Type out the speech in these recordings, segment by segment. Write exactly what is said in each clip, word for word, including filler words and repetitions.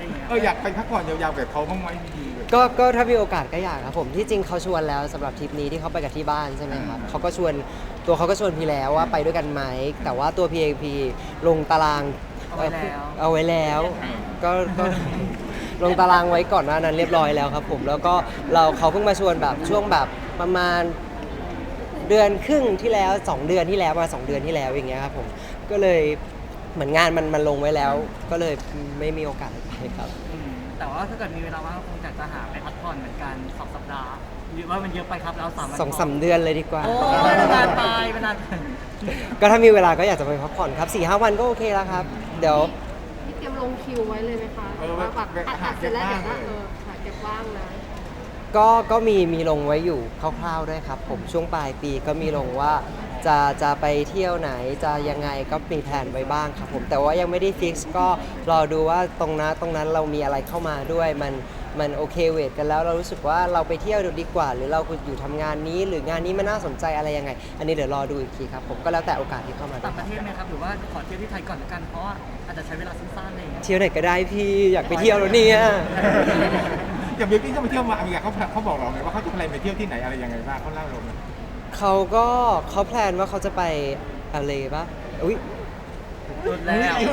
อย่างเงี้ยเอออยากไปพักผ่อนยาวๆแบบเขาบ้างไหมดีๆเลยก็ก็ถ้ามีโอกาสก็อยากครับผมที่จริงเขาชวนแล้วสำหรับทริปนี้ที่เขาไปกับที่บ้านใช่ไหมครับเขาก็ชวนตัวเขาก็ชวนพี่แล้วว่าไปด้วยกันไหมแต่ว่าตัวพีเอพีลงตารางเอาไว้แล้วเอาไว้แล้วก็ก็ ลงตารางไว้ก่อนหน้านั้นเรียบร้อยแล้วครับผมแล้วก็เราเขาเพิ่งมาชวนแบบช่วงแบบประมาณเดือนครึ่งที่แล้วสองเดือนที่แล้วมาสองเดือนที่แล้วอย่างเงี้ยครับผมก็เลยเหมือนงานมันมันลงไว้แล้ว ก็เลยไม่มีโอกาสไปครับอืมแต่ว่าถ้าเกิดมีเวลาว่างก็คงอยากจะหาไปพักผ่อนเหมือนกันสองสัปดาห์หรือว่ามันเยอะไปครับเราสามวันสองสามเดือนเลยดีกว่าโอ้ยนานไปมันนานไปก็ถ้ามีเวลาก็อยากจะไปพักผ่อนครับสี่ห้าวันก็โอเคแล้วครับ เดี๋ยวพี่เตรียมลงคิวไว้เลยไหมคะเออว่าแบบแบบอัดหาอัดเสร็จแล้วเก็เดี๋บยวบ้างก็เออหาเก็บว่างนะก็ก็มีมีลงไว้อยู่คร่าวๆด้วยครับผมช่วงปลายปีก็มีลงว่าจะจะไปเที่ยวไหนจะยังไงก็มีแผนไว้บ้างครับผมแต่ว่ายังไม่ได้ฟิกซ์ก็รอดูว่าตรงนั้นตรงนั้นเรามีอะไรเข้ามาด้วยมันมันโอเคเวทกันแล้วเรารู้สึกว่าเราไปเที่ยวดีกว่า หรือเราอยู่ทำงานนี้ หรืองานนี้มันน่าสนใจอะไรยังไง อันนี้เดี๋ยวรอดูอีกทีครับผมก็แล้วแต่โอกาสที่เข้ามาด้วต่างยประเทศไหมครับหรือว่าขอเที่ยวที่ไทยก่อนละกันเพราะว่าอาจจะใช้เวลาสั้นๆอะไรอย่างเงี้ยเที่ยวไหนก็ได้พี่อยากไปเที่ยวแล้วเนี่ยอย่างเบลกี้ก็ไปเที่ยวมาอเมริกาเขาเขาบอกเราไหมว่าเขาจะแพลนไปเที่ยวที่ไหนอะไรยังไงบ้างเขาเล่าเราไหมเขาก็เขาแพลนว่าเขาจะไปอะไรปะอุ้ยสุดแล้ว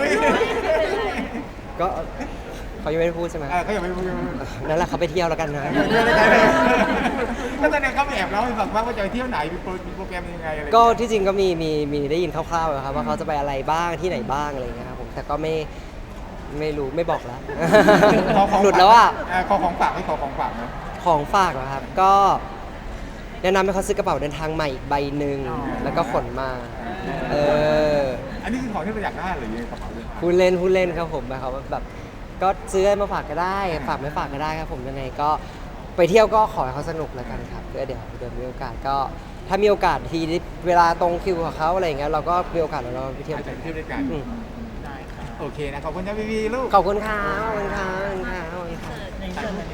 ก็เขายังไม่ได้พูดใช่ไหมเออเขายังไม่รู้ยังไม่รู้นั่นแหละเขาไปเที่ยวแล้วกันนะแล้วตอนนี้เขาแอบเล่าให้ฟังว่าจะไปเที่ยวไหนมีโปรมีโปรแกรมยังไงอะไรก็ที่จริงก็มีมีมีได้ยินคร่าวๆอะครับว่าเขาจะไปอะไรบ้างที่ไหนบ้างอะไรอย่างเงี้ยครับผมแต่ก็ไม่ไม่รู้ไม่บอกแล้วขอของหลุดแล้วอ่ะเขอของฝากให้ขอของฝากไหมของฝากเหรอครับก็แนะนำให้เขาซื้อกระเป๋าเดินทางใหม่อีกใบหนึ่งแล้วก็ขนมาเอออันนี้คือของที่เราอยากได้หรือยังไงกระเป๋าเดินทางพูดเล่นพูดเล่นครับผมหมายความว่าแบบก็ซื้อให้มาฝากก็ได้ ฝากไม่ฝากก็ได้ครับผมยังไงก็ไปเที่ยวก็ขอให้เขาสนุกแล้วกันครับเดี๋ยวเดี๋ยวมีโอกาสก็ถ้ามีโอกาสทีเวลาตรงคิวของเขาอะไรอย่างเงี้ยเราก็มีโอกาสเราไปเที่ยวอาจกัจะนเที่ยวด้วยกันอืมได้ครับโอเคนะขอบคุณนะพี่วีลูกขอบคุณครับขอบคุณครับขอบคุณครับขอบคุณครับในเชิญ